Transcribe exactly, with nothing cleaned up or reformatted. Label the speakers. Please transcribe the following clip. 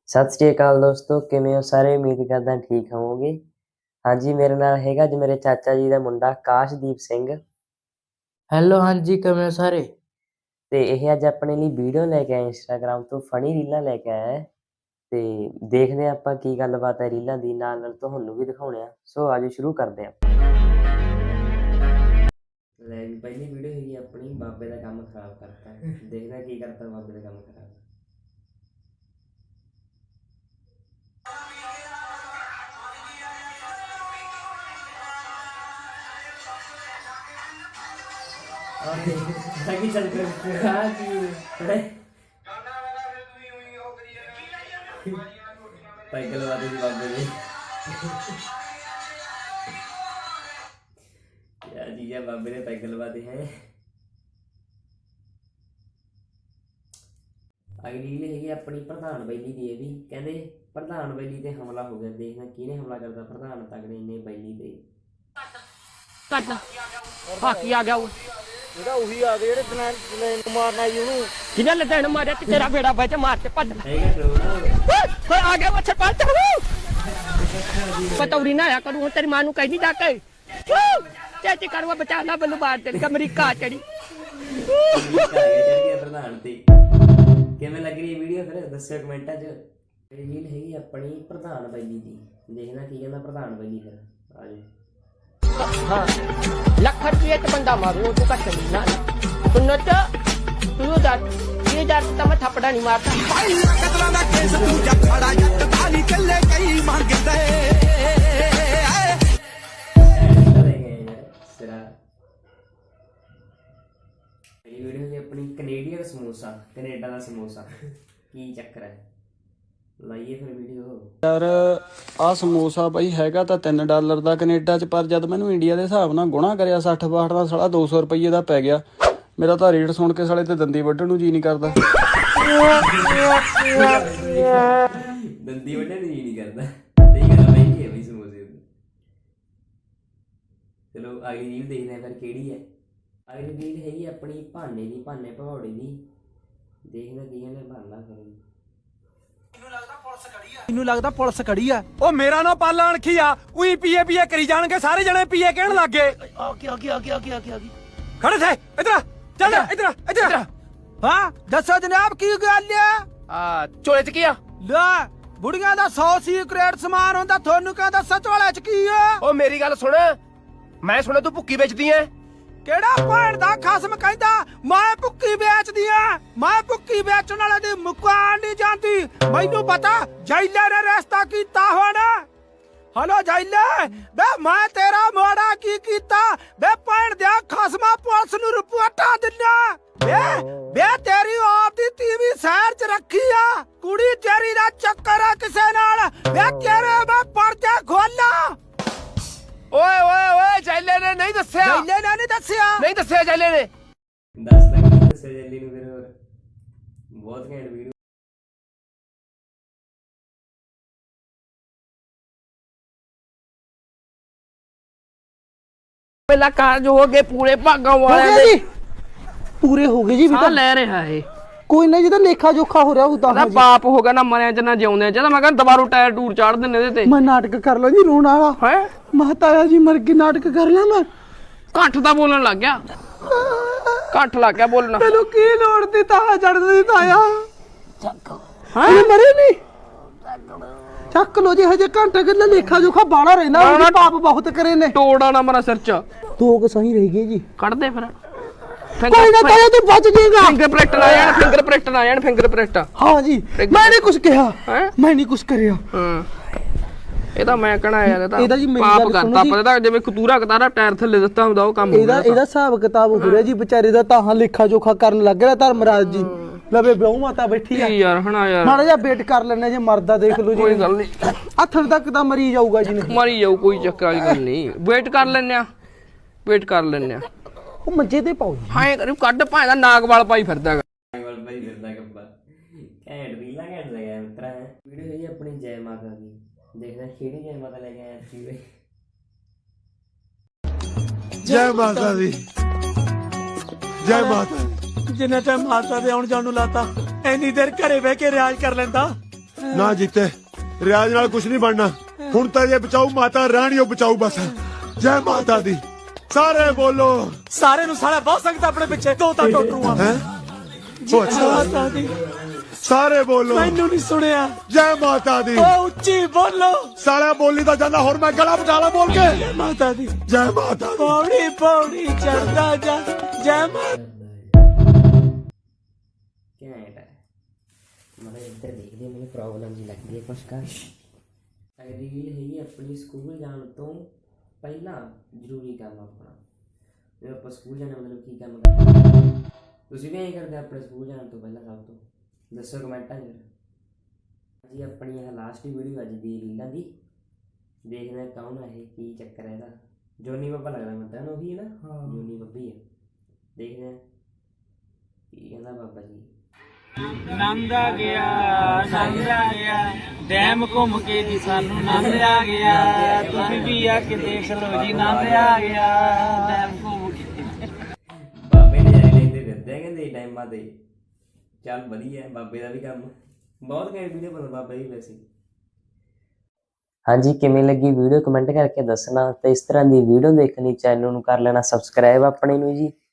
Speaker 1: सत श्री अकाल दोस्तों, किवें हो सारे? उम्मीद करदा ठीक होवोगे। हाँ जी, मेरे नाल हैगा जी मेरे चाचा जी का मुंडा काशदीप सिंह।
Speaker 2: हेलो, हाँ जी, किवें हो सारे?
Speaker 1: ते इह अज अपने लिए वीडियो लैके आए इंस्टाग्राम तो फनी रीलां लैके आया है। ते देखदे आं आपां की गल्लबात है रीलां दी, नाल नाल तुहानूं भी दिखाउने आ। सो आजो शुरू करदे आं। ਲੈ ਵੀ ਪਹਿਲੀ ਵੀਡੀਓ ਹੈਗੀ ਆਪਣੀ ਬਾਬੇ ਦਾ ਕੰਮ ਖਰਾਬ ਕਰਤਾ। ਦੇਖਦਾ ਕੀ ਕਰਤਾ ਬਾਬੇ ਦਾ ਕੰਮ ਖਰਾਬ। lagi cari lagi cycle वाले जी बाबे ने यार जी यार बाबे ने साइकिल वाले हैं। अगली रील हैगी अपनी प्रधान बैली दी। भी कहते प्रधान बैली ते हमला हो गया। देखना किने हमला करता प्रधान तगड़े ने बैली ते
Speaker 2: ਕੱਟ ਹਾਕੀ ਆ ਗਿਆ ਉਹ
Speaker 3: ਇਹਦਾ ਉਹੀ ਆ ਗਏ ਜਿਹੜੇ ਦਲੈਨ ਦਲੈਨ ਮਾਰਨਾ ਜੀ ਉਹਨੂੰ
Speaker 2: ਕਿਹਨੇ ਲਦਣ ਮਾਰਿਆ ਤੇ ਤੇਰਾ ਬੇੜਾ ਵਿੱਚ ਮਾਰ ਕੇ ਭੱਜ
Speaker 1: ਹੈਗਾ ਕਰੋ
Speaker 2: ਓਏ ਆ ਗਿਆ ਮੱਛਰ ਪਾ ਚੜੂ ਪਤੌਰੀ ਨਾ ਆਇਆ ਕਰੂ ਤੇਰੀ ਮਾਂ ਨੂੰ ਕਹਿ ਨਹੀਂ ਜਾ ਕੇ ਚਾਚੀ ਕਰਵਾ ਬਚਾ ਲਾ ਮੈਨੂੰ ਬਾਹਰ ਤੇ ਅਮਰੀਕਾ ਚੜੀ
Speaker 1: ਪ੍ਰਧਾਨ ਤੇ ਕਿਵੇਂ ਲੱਗ ਰਹੀ ਵੀਡੀਓ ਫਿਰ ਦੱਸਿਓ ਕਮੈਂਟਾਂ 'ਚ। ਰੀਲ ਹੈਗੀ ਆਪਣੀ ਪ੍ਰਧਾਨ ਬੈਲੀ ਦੀ। ਦੇਖਣਾ ਕੀ ਕਹਿੰਦਾ ਪ੍ਰਧਾਨ ਬੈਲੀ ਫਿਰ ਆਜੋ।
Speaker 2: हाँ लख रुपये तो बंदा मारू तू कट नहीं ना सुन तू दस ये हजार तो मैं थप्पड़ा नहीं मारता।
Speaker 1: वीडियो अपनी कनेडियन समोसा कनेडा का समोसा की चक्कर है ਲਾਈਏ ਫਿਰ ਵੀਡੀਓ।
Speaker 3: ਯਾਰ ਆ ਸਮੋਸਾ ਬਈ ਹੈਗਾ ਤਾਂ ਤਿੰਨ ਡਾਲਰ ਦਾ ਕੈਨੇਡਾ 'ਚ, ਪਰ ਜਦ ਮੈਨੂੰ ਇੰਡੀਆ ਦੇ ਹਿਸਾਬ ਨਾਲ ਗੁਣਾ ਕਰਿਆ ਸੱਠ ਬਾਹਠ ਦਾ ਸਾਲਾ ਦੋ ਸੌ ਰੁਪਈਏ ਦਾ ਪੈ ਗਿਆ। ਮੇਰਾ ਤਾਂ ਰੇਟ ਸੁਣ ਕੇ ਸਾਲੇ ਤੇ ਦੰਦੀ ਵੱਢਣ ਨੂੰ ਜੀ ਨਹੀਂ ਕਰਦਾ।
Speaker 1: ਦੰਦੀ ਵੱਢਣ ਨੂੰ ਜੀ ਨਹੀਂ ਕਰਦਾ। ਸਹੀ ਗੱਲ ਮਹਿੰਗੀ ਹੈ ਬਈ ਸਮੋਸੇ। ਚਲੋ ਅਗਲੀ ਰੀਲ ਦੇਖਦੇ ਹਾਂ ਫਿਰ ਕਿਹੜੀ ਹੈ। ਅਗਲੀ ਰੀਲ ਹੈਗੀ ਆਪਣੀ ਭਾਨੇ ਦੀ, ਭਾਨੇ ਭਗੌੜੇ ਦੀ। ਦੇਖਦਾ ਕੀ ਕਹਿੰਦੇ ਭਾਨਾ ਕਰੋ।
Speaker 4: ਮੈਨੂੰ ਲੱਗਦਾ ਪੁਲਿਸ ਖੜੀ ਆ। ਉਹ ਮੇਰਾ ਨਾ ਪਾਲਾ ਅਣਖੀ ਆ। ਉਹੀ ਪੀਏ ਪੀਏ ਕਰੀ ਜਾਣਗੇ ਸਾਰੇ ਜਣੇ ਪੀਏ ਕਹਿਣ ਲੱਗ ਗਏ।
Speaker 2: ਆ ਕੀ ਆ ਕੀ ਆ ਕੀ ਆ ਕੀ ਆ ਕੀ
Speaker 4: ਖੜੇ ਥੇ ਇਧਰ ਚੱਲ ਇਧਰ ਇਧਰ। ਹਾਂ ਦੱਸੋ ਜਨਾਬ ਕੀ ਗੱਲ ਆ?
Speaker 2: ਆ ਚੋਲੇ ਚ ਕੀ ਆ?
Speaker 4: ਲੈ ਬੁੜੀਆਂ ਦਾ ਸੌ ਸੀਕ੍ਰੇਟ ਸਮਾਨ ਹੁੰਦਾ, ਤੁਹਾਨੂੰ ਕਹਿੰਦਾ ਸੱਚ ਵਾਲੇ ਚ ਕੀ ਆ?
Speaker 5: ਉਹ ਮੇਰੀ ਗੱਲ ਸੁਣ, ਮੈਂ ਸੁਣਿਆ ਤੂੰ ਭੁੱਕੀ ਵੇਚਦੀ ਐ।
Speaker 4: ਕਿਹੜਾ ਭੈਣ ਦਾ ਖਸਮ ਕਹਿੰਦਾ ਮੈਂ ਭੁੱਕੀ ਵੇਚਦੀ ਆ? ਮੈਂ ਭੁੱਕੀ ਵੇਚਣ ਵਾਲੇ ਦੀ ਮੁਕਾਨ ਨਹੀਂ ਜਾਂਦੀ। ਮੈਨੂੰ ਪਤਾ ਜੈਲੇ ਨੇ ਰਸਤਾ ਕੀਤਾ ਹੋਣਾ। ਹਲੋ ਜੈਲੇ ਬੇ ਮੈਂ ਤੇਰਾ ਮੋੜਾ ਕੀ ਕੀਤਾ? ਬੇ ਭੈਣ ਦਿਆ ਖਸਮਾ ਪੁਲਿਸ ਨੂੰ ਰਿਪੋਰਟਾਂ ਦਿੰਨਾ। ਬੇ ਬੇ ਤੇਰੀ ਆਪ ਦੀ ਟੀਵੀ ਸ਼ਹਿਰ ਚ ਰੱਖੀ ਆ। ਕੁੜੀ ਤੇਰੀ ਦਾ ਚੱਕਰ ਆ ਕਿਸੇ ਨਾਲ। ਬੇ ਤੇਰੇ ਮੈਂ ਪਰਚਾ ਖੋਲਾ।
Speaker 5: ਓਏ ਓਏ ਓਏ ਜੈਲੇ ਨੇ ਨਹੀਂ ਦੱਸਿਆ।
Speaker 4: ਜੈਲੇ ਨੇ ਨਹੀਂ ਦੱਸਿਆ।
Speaker 5: ਨਹੀਂ ਦੱਸਿਆ ਜੈਲੇ ਨੇ।
Speaker 1: ਦੱਸ ਤੱਕ ਨਹੀਂ ਦੱਸਿਆ ਜੈਲੀ ਨੂੰ। ਫਿਰ ਹੋਰ ਬਹੁਤ ਘੈਂਟ ਵੀਡੀਓ।
Speaker 2: ਪਹਿਲਾ ਕਾਰਜ ਹੋ ਗਏ ਪੂਰੇ ਭਾਗਾਂ ਵਾਲਿਆਂ ਦੇ।
Speaker 3: ਪੂਰੇ ਹੋ ਗਏ ਜੀ।
Speaker 2: ਸਾਹ ਲੈ ਰਿਹਾ ਏ
Speaker 3: ਕੋਈ ਨਾ ਜਿਹਦਾ ਲੇਖਾ ਜੋਖਾ ਹੋ ਰਿਹਾ ਉਦਾਂ
Speaker 2: ਉਹਦਾ ਬਾਪ ਹੋ ਗਿਆ ਨਾ ਮਰਿਆ ਚ ਨਾ ਜਿਉਂਦੇ ਚ। ਮੈਂ ਕਹਿੰਦਾ ਦੁਬਾਰਾ ਟਾਇਰ ਟੂਰ ਚਾੜ ਦਿੰਨੇ ਇਹਦੇ ਤੇ।
Speaker 3: ਮੈਂ ਨਾਟਕ ਕਰ ਲਾਂ ਜੀ ਰੋਣ ਵਾਲਾ।
Speaker 2: ਹੈ
Speaker 3: ਮਹਤਾਇਆ ਜੀ ਮਰ ਕੇ ਨਾਟਕ ਕਰ ਲਾਂ ਮੈਂ।
Speaker 2: ਘੱਟ ਤਾਂ ਬੋਲਣ ਲੱਗ ਗਿਆ। ਘੱਟ ਲੱਗ ਗਿਆ ਬੋਲਣਾ।
Speaker 3: ਤੈਨੂੰ ਕੀ ਲੋੜ ਦੀ ਤਾਂ ਚੜਦੀ ਤਾਇਆ?
Speaker 2: ਹਾਂ
Speaker 3: ਮਰੇ ਨਹੀਂ ਚੱਕ ਲੋ ਜੀ। ਹਜੇ ਘੰਟਾ ਕਿੰਨਾ ਲੇਖਾ ਜੋਖਾ ਬਾਲਾ ਰਹਿਣਾ। ਉਹਨੇ ਪਾਪ ਬਹੁਤ ਕਰੇ ਨੇ।
Speaker 2: ਤੋੜਾ ਨਾ ਮਰਾ ਸਿਰ ਚ।
Speaker 3: ਦੋ ਕੁ ਸਹੀ ਰਹਿ ਗਏ ਜੀ।
Speaker 2: ਕੱਢ ਦੇ ਫਿਰ।
Speaker 3: ਕੋਈ ਨਾ ਤਾਇਆ ਤੂੰ ਬਚ ਜਾਏਗਾ।
Speaker 2: ਫਿੰਗਰਪ੍ਰਿੰਟ ਨਾ ਜਾਣ ਫਿੰਗਰਪ੍ਰਿੰਟ ਨਾ ਜਾਣ ਫਿੰਗਰਪ੍ਰਿੰਟ।
Speaker 3: ਹਾਂ ਜੀ ਮੈਂ ਨਹੀਂ ਕੁਝ ਕਿਹਾ।
Speaker 2: ਹੈ
Speaker 3: ਮੈਂ ਨਹੀਂ ਕੁਝ ਕਰਿਆ।
Speaker 2: ਹਾਂ ਇਹ ਤਾਂ ਮੈਂ ਕਹਣਾ ਯਾਰ ਇਹ
Speaker 3: ਇਹਦਾ ਜੀ
Speaker 2: ਤਾਂ
Speaker 3: ਮੇਰੀ
Speaker 2: ਪਾਪ
Speaker 3: ਗੱਲ
Speaker 2: ਕਰਤਾ।
Speaker 3: ਸੁਣੋ
Speaker 2: ਪਤਾ ਜਿਵੇਂ ਕਤੂਰਾ ਕਤਾਰਾ ਟਾਇਰ ਥੱਲੇ ਦਿੱਤਾ ਹੁੰਦਾ ਉਹ ਕੰਮ ਹੋ
Speaker 3: ਇਹਦਾ
Speaker 2: ਗਿਆ।
Speaker 3: ਇਹਦਾ ਹਿਸਾਬ ਕਿਤਾਬ ਹੋ ਰਿਹਾ ਜੀ ਵਿਚਾਰੇ ਦਾ। ਤਾਂ ਲੇਖਾ ਜੋਖਾ ਕਰਨ ਲੱਗ ਰਿਹਾ ਧਰਮਰਾਜ ਜੀ। ਲਵੇ ਵਿਆਹ ਮਾਤਾ ਬੈਠੀ ਆ।
Speaker 2: ਕੀ ਯਾਰ ਹਣਾ ਯਾਰ
Speaker 3: ਮਾੜਾ ਜਿਹਾ ਵੇਟ ਕਰ ਲੈਣੇ ਜੇ ਮਰਦਾ ਦੇਖ ਲਓ ਜੀ।
Speaker 2: ਕੋਈ ਗੱਲ ਨਹੀਂ।
Speaker 3: ਹੱਥਣ ਤੱਕ ਤਾਂ ਮਰੀ ਜਾਊਗਾ ਜੀ।
Speaker 2: ਮਰੀ ਜਾਊ ਕੋਈ ਚੱਕਰ ਵਾਲੀ ਗੱਲ ਨਹੀਂ। ਵੇਟ ਕਰ ਲੈਨੇ ਆ ਵੇਟ ਕਰ ਲੈਨੇ ਆ।
Speaker 3: ਉਹ ਮੰਜੇ ਤੇ ਪਾਓ ਜੀ।
Speaker 2: ਹਾਂ ਕਰੀ ਕੱਢ ਭਾਂ ਦਾ ਨਾਗ ਵਾਲ ਪਾਈ ਫਿਰਦਾ ਹੈਗਾ।
Speaker 1: ਨਾਗਵਾਲ ਭਾਈ ਫਿਰਦਾ ਕੱਪਾ। ਘੈਂਟ ਰੀਲਾਂ ਘੈਂਟ ਲਗਿਆ ਮਿੱਤਰਾ। ਵੀਡੀਓ ਹੈਗੀ ਆਪਣੀ ਜੈ ਮਾਤਾ ਦੀ। ਦੇਖਦਾ ਕਿਹੜੀ ਜੈ ਮਾਤਾ ਲੈ ਕੇ ਆਇਆ ਸੀ।
Speaker 6: ਜੈ ਮਾਤਾ ਦੀ ਜੈ ਮਾਤਾ।
Speaker 4: ਜਿੰਨੇ ਟਾਈਮ ਮਾਤਾ ਦੇ ਆਉਣ ਜਾਣ ਨੂੰ ਲਾਤਾ ਐਨੀ ਦੇਰ ਘਰੇ ਬਹਿ ਕੇ ਰਿਆਜ਼ ਕਰ ਲੈਂਦਾ।
Speaker 6: ਨਾ ਜੀਤੇ ਰਿਆਜ਼ ਨਾਲ ਕੁਝ ਨਹੀਂ ਬਣਨਾ ਹੁਣ ਤਾਂ ਜੇ ਬਚਾਊ ਮਾਤਾ ਰਾਣੀ ਉਹ ਬਚਾਊ ਬਸ ਜੈ ਮਾਤਾ ਦੀ ਸਾਰੇ ਬੋਲੋ
Speaker 4: ਸਾਰੇ ਨੂੰ ਸਾਲਾ ਬਹੁਤ ਸੰਗਤ ਆਪਣੇ ਪਿੱਛੇ ਦੋ ਤਾਂ ਟੋਟਰੂ ਆ
Speaker 6: ਹੈ ਉਹ ਅੱਛਾ
Speaker 4: ਮਾਤਾ ਦੀ
Speaker 6: ਸਾਰੇ ਬੋਲੋ
Speaker 4: ਮੈਨੂੰ ਨਹੀਂ ਸੁਣਿਆ
Speaker 6: ਜੈ ਮਾਤਾ ਦੀ
Speaker 4: ਓ ਉੱਚੀ ਬੋਲੋ
Speaker 6: ਸਾਲਾ ਬੋਲੀ ਤਾਂ ਜਾਂਦਾ ਹੋਰ ਮੈਂ ਗਲਾ ਬਚਾ ਲਾ ਬੋਲ ਕੇ
Speaker 4: ਜੈ ਮਾਤਾ ਦੀ
Speaker 6: ਜੈ ਮਾਤਾ ਦੀ
Speaker 4: ਪੌੜੀ ਪੌੜੀ ਚੜਦਾ ਜਾ ਜੈ ਮਾਤਾ
Speaker 1: ਘੈਂਟ ਹੈ ਮਤਲਬ ਇੱਧਰ ਦੇਖਦੇ ਮੈਨੂੰ ਪ੍ਰੋਬਲਮ ਜੀ ਲੱਗਦੀ ਹੈ ਕੁਛ ਕਰ ਰੀਲ ਹੈਗੀ ਆਪਣੀ ਸਕੂਲ ਜਾਣ ਤੋਂ ਪਹਿਲਾਂ ਜ਼ਰੂਰੀ ਕੰਮ ਆਪਣਾ ਜਦੋਂ ਆਪਾਂ ਸਕੂਲ ਜਾਣਾ ਮਤਲਬ ਕੀ ਕੰਮ ਕਰਦੇ ਤੁਸੀਂ ਵੀ ਐਂ ਕਰਦੇ ਆਪਣੇ ਸਕੂਲ ਜਾਣ ਤੋਂ ਪਹਿਲਾਂ ਸਭ ਤੋਂ ਦੱਸੋ ਕਮੈਂਟਾਂ 'ਚ ਜੀ ਆਪਣੀ ਇਹ ਲਾਸਟ ਵੀਡੀਓ ਅੱਜ ਦੀ ਰੀਲਾਂ ਦੀ ਦੇਖਦੇ ਹਾਂ ਕੌਣ ਹੈ ਇਹ ਕੀ ਚੱਕਰ ਹੈ ਇਹਦਾ ਜੋਨੀ ਬੱਬਾ ਲੱਗਦਾ ਮੈਨੂੰ ਤਾਂ ਉਹੀ ਹੈ ਨਾ ਹਾਂ ਜੋਨੀ ਬੱਬੀ ਹੈ ਦੇਖਦੇ ਹਾਂ ਕੀ ਕਹਿੰਦਾ ਬਾਬਾ ਜੀ
Speaker 7: ਨੰਦ ਆ ਗਿਆ ਨੰਦ ਆ ਗਿਆ ਡੈਮ ਘੁੰਮ ਕੇ ਜੀ ਸਾਨੂੰ ਨੰਦ ਆ ਗਿਆ ਤੁਸੀਂ ਵੀ ਆ ਕੇ ਦੇਖ ਲਓ ਜੀ ਨੰਦ ਆ ਗਿਆ ਡੈਮ ਘੁੰਮ ਕੇ
Speaker 1: ਬਾਬੇ ਨੇ ਜਾਣੇ ਲੈਂਦੇ ਫਿਰਦੇ ਆ ਕਹਿੰਦੇ ਟਾਈਮਾਂ ਤੇ ਚੱਲ ਵਧੀਆ ਹੈ ਬਾਬੇ ਦਾ ਵੀ ਕੰਮ ਬਹੁਤ ਘੈਂਟ ਵੀਡੀਓ ਬਣਦਾ ਬਾਬਾ ਜੀ ਵੈਸੇ ਹਾਂਜੀ ਕਿਵੇਂ ਲੱਗੀ ਵੀਡੀਓ ਕਮੈਂਟ ਕਰਕੇ ਦੱਸਣਾ ਤੇ ਇਸ ਤਰ੍ਹਾਂ ਦੀ ਵੀਡੀਓ ਦੇਖਣੀ ਚੈਨਲ ਨੂੰ ਕਰ ਲੈਣਾ ਸਬਸਕ੍ਰਾਈਬ ਆਪਣੇ ਨੂੰ ਜੀ